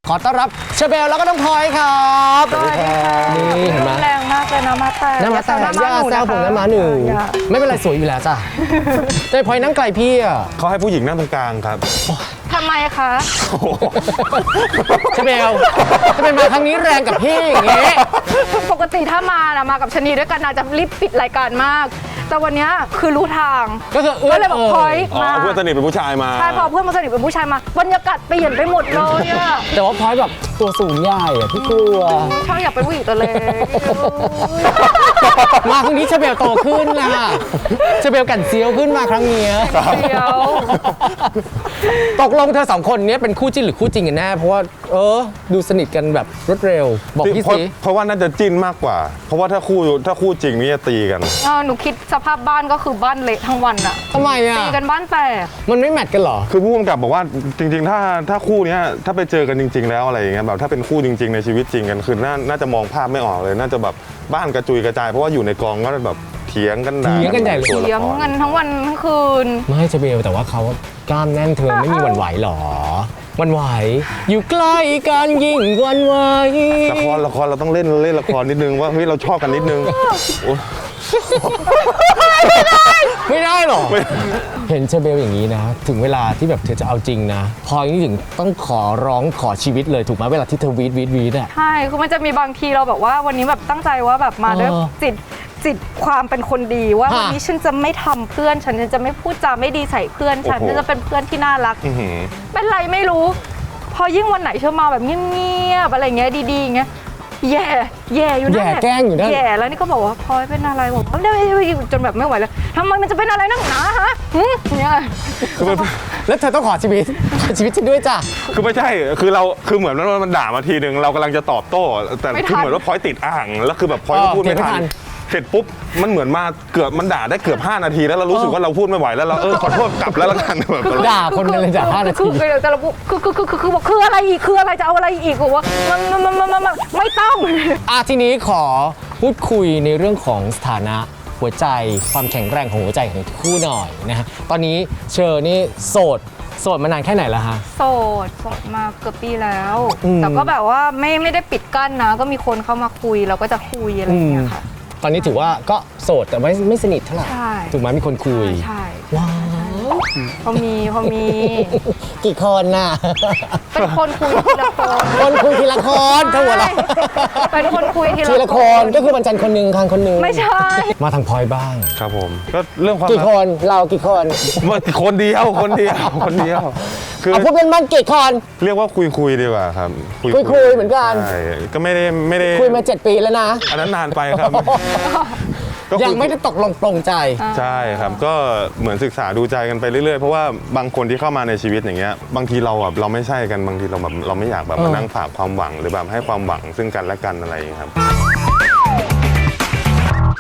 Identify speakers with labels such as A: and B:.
A: ขอต้อนรับเชอเบลแล้วก็น้องพลอยครับสวัสดีครับนี่เห็นไหม
B: แรงมากเลยนะมาแต่
A: น้ำมาแต่ย่าแซวผมน้ำมาหนึ่งไม่เป็นไรสวยอยู่แล้วจ้ะแต่พลอยนั่งไกลพี่อ่ะ
C: เขาให้ผู้หญิงนั่งตรงกลางครับ
B: ทำไมคะ
A: เชอเบลทำไมมาครั้งนี้แรงกับพี่อย่างเงี้ย
B: ปกติถ้ามานะมากับชนีด้วยกันนะจะรีบปิดรายการมาก แต่วันนี้คือรู้ทาง
A: ก็คือเอื้
B: ก็
A: อน
B: เลยบอกพลอย
C: อ๋อ
B: มา
C: เพื่อนสนิทเป็นผู้ชายมา
B: ใช่พอเพื่อนมาสนิทเป็นผู้ชายมาบรรยากาศเปลี่ยนไปหมดเลยอะ
A: แต่ว่าพลอยแบบตัวสูงใหญ่อะพี่กลัว
B: ช่างอยากเป็นผู้หญิงตัวเล็ก
A: มาครั้งนี้เชอเบลโตขึ้นนะเชอเบลกันเซียวขึ้นมาครั้งนี้
B: เดียว
A: ตกลงเธอสองคนนี้เป็นคู่จิ้นหรือคู่จริงกันแน่เพราะว่าดูสนิทกันแบบรวดเร็วบอกพี่สิ
C: เพราะว่าน่าจะจิ้นมากกว่า เพราะว่าถ้าคู่จริงนี่จะตีกัน
B: หนูคิดสภาพบ้านก็คือบ้านเละทั้งวันอะ
A: ทำไมอ่ะ
B: ตีกันบ้านแตก
A: มันไม่แมทกันเหรอ
C: คือผู้กำกับบอกว่าจริงๆ ถ้าคู่เนี้ยถ้าไปเจอกันจริง ๆ แล้วอะไรอย่างเงี้ยแบบถ้าเป็นคู่จริง ๆ ในชีวิตจริงกันคือน่าจะมองภาพไม่ออกเลย น่าจะแบบบ้านกระจุยกระจายเพราะว่าอยู่ในกองก็แบบเถียงกันด่า
A: เถียงกันใหญ่เลย
C: ตัวละ
B: เลี้ยง
C: คร
B: กันทั้งวันทั้งคืน
A: ไม่เชอเบลแต่ว่าเขากล้ามแน่นเธอไม่มีหวั่นไหวหรอหวั่นไหวอยู่ใกล้กันยิ่งหวั่นไหว
C: ละครเราต้องเล่นละครนิดนึงว่าเฮ้ยเราชอบกันนิดนึงโอ๊ย
A: ไม่ได้หรอเห็นเชอเบลอย่างนี้นะ ถึงเวลาที่แบบเธอจะเอาจริงนะพลอยนี่ถึงต้องขอร้องขอชีวิตเลยถูกไหมเวลาที่เธอวีดอ่ะ
B: ใช่ คือมันจะมีบางทีเราแบบว่าวันนี้แบบตั้งใจว่าแบบมาด้วยจิตความเป็นคนดีว่า
A: ฮะ
B: วันนี้ฉันจะไม่ทำเพื่อนฉันจะไม่พูดจาไม่ดีใส่เพื่อนฉัน
C: โอ้โห
B: ฉันจะเป็นเพื่อนที่น่ารัก
C: อื้อหือ
B: เป็นไรไม่รู้ พอยิ่งวันไหนเชื่อมาแบบเงียบๆอะไรเงี้ยดีๆอย่างเงี้ยแย่อยู่นั่น
A: แย่
B: หละ
A: แกล้งอยู่นั่น
B: แย่แล้วนี่ก็บอกว่าพลอยเป็นอะไรบอกว่าจนแบบไม่ไหวแล้วทำไมมันจะเป็นอะไรนักหนาฮะเนี่ย
A: แล้วเธอต้องขอชีวิตฉันด้วยจ้ะ
C: คือไม่ใช่คือเหมือนว่ามันด่ามาทีนึงเรากำลังจะตอบโต้ แต่คือเหมือนว่าพลอยติดอ่างแล้วคือแบบพลอยก็พูดไม่ทันเสร็จปุ๊บมันเหมือนมามันด่าได้เกือบ5 นาทีแล้วเรารู้สึกว่าเราพูดไม่ไหวแล้วเราขอโทษกลับแล้วละกันแบบ
A: ด่าคนกันเลยจ้ะ5 นาที
B: แต่เราคืออะไรอีกคืออะไรจะเอาอะไรอีกบอกว่ามันไม่ต้อง
A: ทีนี้ขอพูดคุยในเรื่องของสถานะหัวใจความแข็งแรงของหัวใจของคู่หน่อยนะฮะตอนนี้เชอร์นี่โสดมานานแค่ไหนแล้วฮะ
B: โสดมาเกือบปีแล้ว
A: อืม
B: แต่ก็แบบว่าไม่ได้ปิดกั้นนะ ก็มีคนเข้ามาคุยเราก็จะคุยอะไรอย่างเงี้ยค่ะ
A: ตอนนี้ถือว่าก็โสดแต่ไม่สนิทเท่าไหร่
B: ใช่
A: ถูกไหมมีคนคุย
B: ใช่
A: ว้าว
B: พอมี
A: กี่คนน่ะ
B: เป็นคนคุยทีละคน
A: คนคุยทีละคนทั้งหมดละ
B: เป็นคนคุยที
A: ทีละคนก็คือวันจันทร์คนหนึ่งคางคนหนึ่ง
B: ไม่ใช่
A: มาทางพลอยบ้าง
C: ครับผมก็เรื่องความ
A: กี่คนเรากี่คน
C: คนเดียวคือ
A: เอาพูดเป็นมันกี่คน
C: เรียกว่าคุยดีกว่าครับ
A: คุยเหมือนกัน
C: ใช่ก็ไม่ได้
A: คุยมา7 ปีแล้วนะ
C: อันนั้นนานไปครับก็คุ
A: ยังไม่ได้ตกลงปลงใจ
C: ใช่ครับก็เหมือนศึกษาดูใจกันไปเรื่อยๆเพราะว่าบางคนที่เข้ามาในชีวิตอย่างเงี้ยบางทีเราไม่ใช่กันบางทีเราแบบเราไม่อยากแบบมานั่งฝากความหวังหรือแบบให้ความหวังซึ่งกันและกันอะไรอย่างเงี้ยครับ